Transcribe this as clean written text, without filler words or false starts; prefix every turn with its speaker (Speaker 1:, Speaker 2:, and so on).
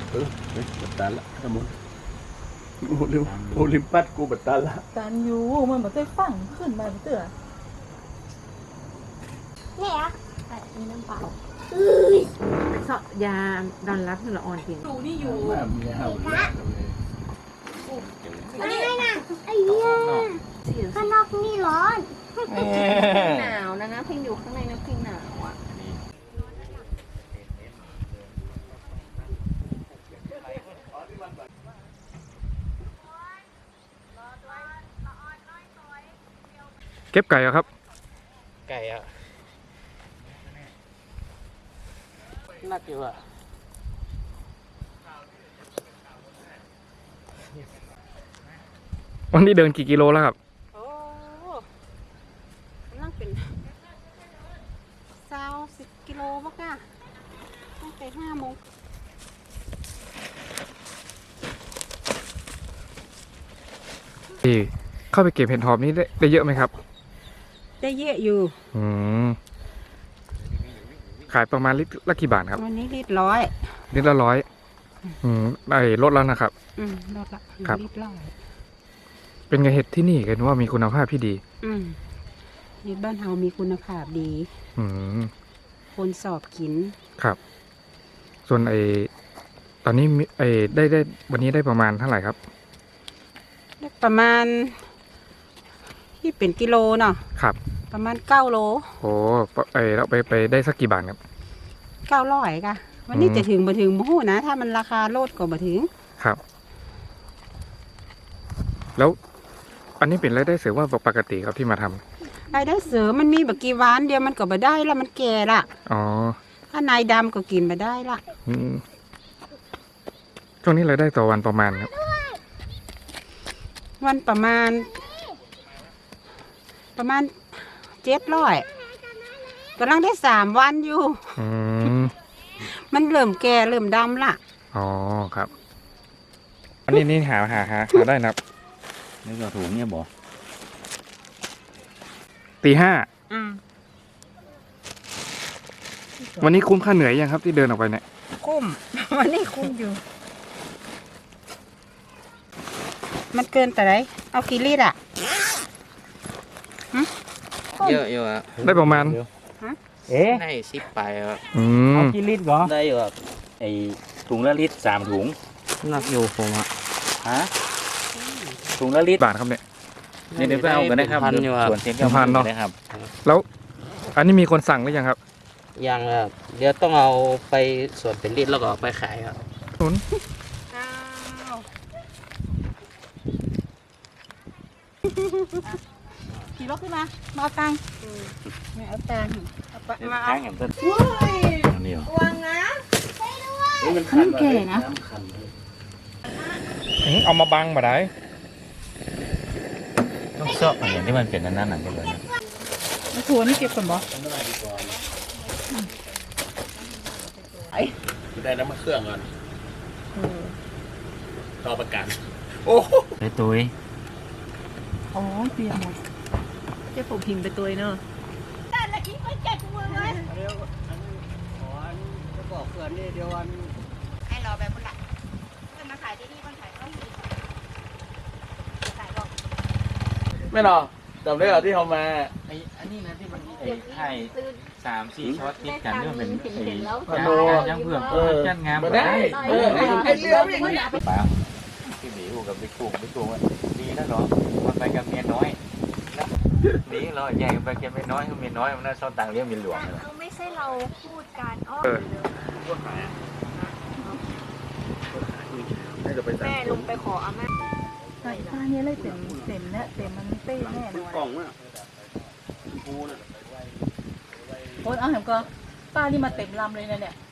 Speaker 1: บัตตาละทั้งหมดโอลิมปัสกูบัตตาละ
Speaker 2: การอยู่มันเหมือนได้ฟังขึ้นมาเตือ
Speaker 3: เนี่ยมีน้ำเปล่า
Speaker 4: เสาะยาดอนรับละอ่อนกิน
Speaker 2: ดูนี่อยู่
Speaker 1: มีห้าว
Speaker 3: อะไรนะไอ้เหี้ยข้างนอกนี่ร้อน
Speaker 4: หนาวนะพิงอยู่ข้างในนะพิงหนาวอ่ะ
Speaker 5: เก็บไก่อะครับ
Speaker 1: ไก่อะน่าเกลียด
Speaker 5: วันนี้เดินกี่กิโลแล้วครับ
Speaker 4: โอ้นั่งเป็น20 กิโลมั้งค่ะตั้งแต่5 โมง
Speaker 5: เข้าไปเก็บเห็ดหอมนี่ได้เยอะไหมครับ
Speaker 4: ได้เยอะอยู่
Speaker 5: ขายประมาณลิตรละกี่บาทครับ
Speaker 4: วันนี้ลิตร100
Speaker 5: ลิตรละ100ได้ลดแล้วนะครับ
Speaker 4: ลดละลิตร100
Speaker 5: เป็นไงเห็ดที่นี่กันว่ามีคุณภาพที่ดี
Speaker 4: เห็ดบ้านเฮามีคุณภาพดีคนสอบกิน
Speaker 5: ครับส่วนตอนนี้ได้วันนี้ได้ประมาณเท่าไหร่ครับ
Speaker 4: ได้ประมาณที่เป็นกิโลเนาะ
Speaker 5: ครับ
Speaker 4: ประมาณ9 โล
Speaker 5: โอ้เราไปได้สักกี่บาทครับ
Speaker 4: 900ค่ะวันนี้จะถึงบ่ถึงบ่ฮู้นะถ้ามันราคาลดก็บ่ถึง
Speaker 5: ครับแล้วอันนี้เป็นรายได้เสริมว่าปกติครับที่มาท
Speaker 4: ำรายได้เสริมมันมีบักกี่วันเดียวมันก็บ่ได้แล้วมันแก่ละถ้านายดำก็กินบ่ได้ละ
Speaker 5: ช่วงนี้รายได้ต่อวันประมาณครับ
Speaker 4: วันประมาณ700กำลังได้3 วันอยู่มันเริ่มแก่เริ่มดำละ
Speaker 5: อ๋อครับอันนี้หาได้นะครับ
Speaker 1: นี่ก็ถุงเนี่ยบอก
Speaker 5: ตี 5วันนี้คุ้มค่าเหนื่อยยังครับที่เดินออกไปเนี่ย
Speaker 4: คุ้มวันนี้คุ้มอยู่มันเกินแต่ไหนเอากี่ลิตรอ่ะ
Speaker 1: เยอะอยู่อะ
Speaker 5: ได้ประมาณ
Speaker 1: ได้10 ไปครับ
Speaker 5: เอา
Speaker 1: กี่ลิตรก็ได้อยู่ครับไอถุงละลิตร3 ถุงนักอยู่ผมถุงละลิตร
Speaker 5: บาทครับเนี่ย
Speaker 1: เดี๋ยวไปเอากันนะครับส่วนเส้น
Speaker 5: พันเนาะแล้วอันนี้มีคนสั่งหรือยังครับ
Speaker 1: ยังครับเดี๋ยวต้องเอาไปส่วนเป็นลิตรแล้วก็ไปขายครับ
Speaker 2: ขี่รถขึ้นมาเอาตังค์ไม่เอาตังค์
Speaker 1: มาเอาอย่างต้นนี่
Speaker 2: วางนะ
Speaker 1: มันคันแก่นะ
Speaker 5: เอามาบังมาได้
Speaker 1: ต้องเซาะอย่างที่มันเป็นนั่นๆก็เลย
Speaker 2: แล้วทัวนี่เก็บก่อนบ่
Speaker 1: ได้น้ำมันเครื่องก่อนต่อประกันโอ้ไปตุ้ย
Speaker 2: อ๋อเตรียมหมดเจ้าผมพิมพ์ไปตัวเนอะแต่ละกี้ไม่เจ็บมือเลย
Speaker 1: จะบอกเพื่อนนี่เดี๋ยววัน
Speaker 3: ให้รอแบบคนละเพื่อนมาขายที่นี่คนขายก็มีขายบอก
Speaker 1: ไม่หรอกจำได้เหรอที่เขามาอันนี้นะที่มันไข่3-4 ช็อตติดกันนี่มันเป็นยังเพื่อนจัดงานมาได้ไอ้เรื่องอย่างนี้ป่าวพี่หมีกับบิ๊กกุ้งดีนะเนาะมันไปกับเมียน้อยนี่เราแย่งไปกับเมียน้อยมันน่าชอบต่างเลี้ยงเมียหลวง
Speaker 3: เขาไม่ใช่เราพูดกันแม่ลงไปขออาม่า
Speaker 2: ใส่ผ้าเนี่ยเลยเต็มเนี่ยเต็มมันเต้แน่เลย
Speaker 1: กล่องอ่ะปูน่ะ
Speaker 2: โอ้ยเอาเห็นก็ป้านี่มาเต็มลำเลยนะเนี่ย